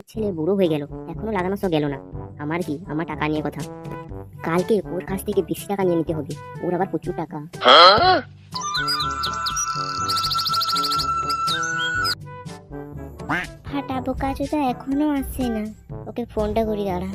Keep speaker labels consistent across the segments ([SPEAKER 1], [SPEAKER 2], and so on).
[SPEAKER 1] ছেলে বুড়ো হয়ে গেল, এখনো লাগানো সব গেল না। আমার কি, আমার টাকা নিয়ে কথা। কালকে ওর কাছ থেকে বেশি টাকা নিয়ে নিতে হবে, ওর আবার প্রচুর টাকা। ফাটা বোকা চোদা এখনো আসছে না, ওকে ফোনটা করি দাঁড়া।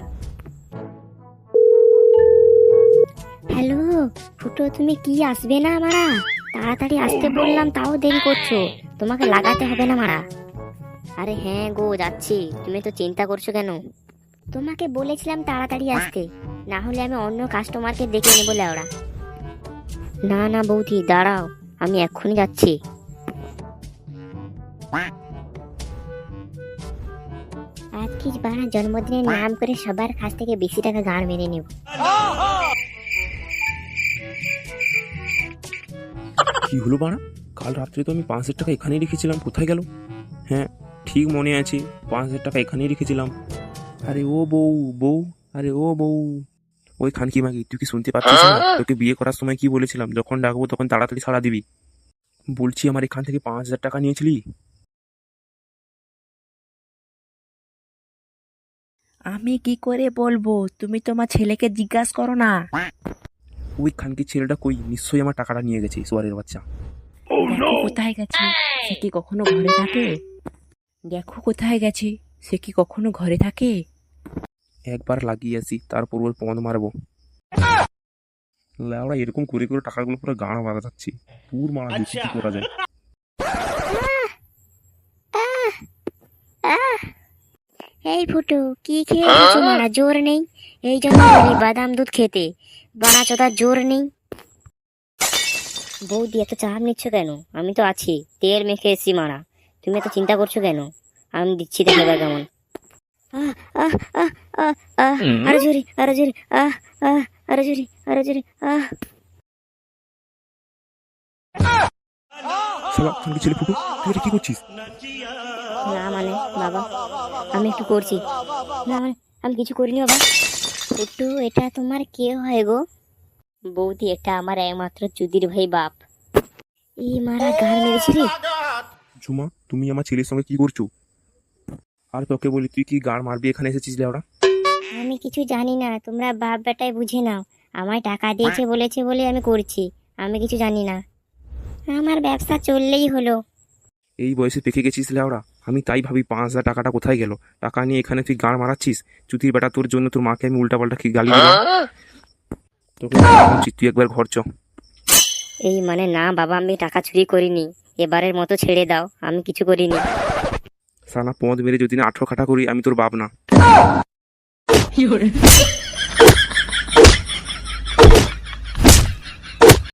[SPEAKER 1] হ্যালো ফুটো, তুমি কি আসবে না মারা? তাড়াতাড়ি আসতে বললাম তাও দেরি করছো, তোমাকে লাগাতে হবে না মারা। আরে হ্যাঁ গো যাচ্ছি, তুমি তো চিন্তা করছো কেন? তোমাকে বলেছিলাম তাড়াতাড়ি আসতে, না হলে আমি অন্য কাস্টমারকে ডেকে নেবো লেওড়া। না না বৌদি দাঁড়াও, আমি এক্ষুনি যাচ্ছি। আজকে বাড়া জন্মদিনের নাম করে সবার কাছ থেকে বেশি টাকা গাড় মেরে নেব।
[SPEAKER 2] কি হলো বাড়া? কাল রাত্রে তো আমি 5,000 টাকা এখানেই রেখেছিলাম, কোথায় গেল? হ্যাঁ ঠিক মনে আছে, 5,000 টাকা এখানেই রেখেছিলাম। আরে ও বউ, বউ, আরে ও বউ, ওই খানকি মাগি, তুই কি শুনতে পাচ্ছিস না? তোকে বিয়ে করার সময় কি বলেছিলাম, যখন ডাকবো তখন তাড়াতাড়ি সাড়া দিবি। বলছি আমার এখান থেকে 5,000 টাকা নিয়েছিলি।
[SPEAKER 3] আমি কি করে বলবো, তুমি তোমার ছেলেকে জিজ্ঞাসা করো না।
[SPEAKER 2] ওই খানকি ছেলেটা কই, নিশ্চয়ই আমার টাকাটা নিয়ে গেছে সোয়ারের বাচ্চা।
[SPEAKER 3] দেখো কোথায় গেছে, সে কি কখনো ঘরে থাকে? দেখো কোথায় গেছে, সে কি কখনো ঘরে থাকে?
[SPEAKER 2] একবার লাগিয়ে আসি, তারপর ওর পদ মারবো। লেওড়া এরকম করে করে টাকাগুলো পুরো গাঁড় মারা যাচ্ছি। পুর মারা দেখি কি করা যায়।
[SPEAKER 1] এই ফুটো, কি খেয়ে গেছো মারা? জোর নেই, এই জন্য বলি বাদাম দুধ খেতে। বানা চোদার জোর নেই। বৌদি এত চাপ নিচ্ছ কেন? আমি তো আছি, তেল মেখে এসছি মারা। তুমি এত চিন্তা করছো কেন? আমি দিচ্ছি, দেখে এবার কেমন। আহ আহ আহ আহ আহ আরো জোরে, আরো জোরে, আহ আহ আরো জোরে, আরো জোরে, আহ।
[SPEAKER 2] শালা খানকি ছেলে ফুটু, তুই এটা কি করছিস?
[SPEAKER 1] না মানে বাবা, আমি একটু করছি। না মানে আমি কিছু করিনি বাবা। একটু, এটা তোমার কে হয় গো? বৌদি, এটা আমার একমাত্র চুদির ভাই বাপ। এই মারা গান মেরেছিলি।
[SPEAKER 2] ঝুমা, তুমি আমার ছেলের সঙ্গে কি করছো? আর তোকে বলি, তুই কি গাড় মারবি এখানে এসেছিস লেওড়া?
[SPEAKER 1] আমি কিছু জানি না, তোমরা বাপ বেটায় বুঝে নাও। আমায় টাকা দিয়েছে বলেছে বলে আমি করছি, আমি কিছু জানি না। আমার ব্যবসা চললেই হলো।
[SPEAKER 2] এই বয়সে পেকে গেছিস লেওড়া। আমি তাই ভাবি 5,000 টাকাটা কোথায় গেল। টাকা নিয়ে এখানে তুই গাড় মারাচ্ছিস। চুতির বেটা, তোর জন্য তোর মাকে আমি উল্টাপাল্টা কি গালি দিলাম। তোকে জানানো উচিত, তুই একবার ঘর চ।
[SPEAKER 1] এই মানে না বাবা, আমি টাকা চুরি করিনি, এবারের মতো ছেড়ে দাও, আমি কিছু করিনি।
[SPEAKER 2] সালা পদ মেরে যদি না 18 খাটা করি, আমি তোর বাপ না।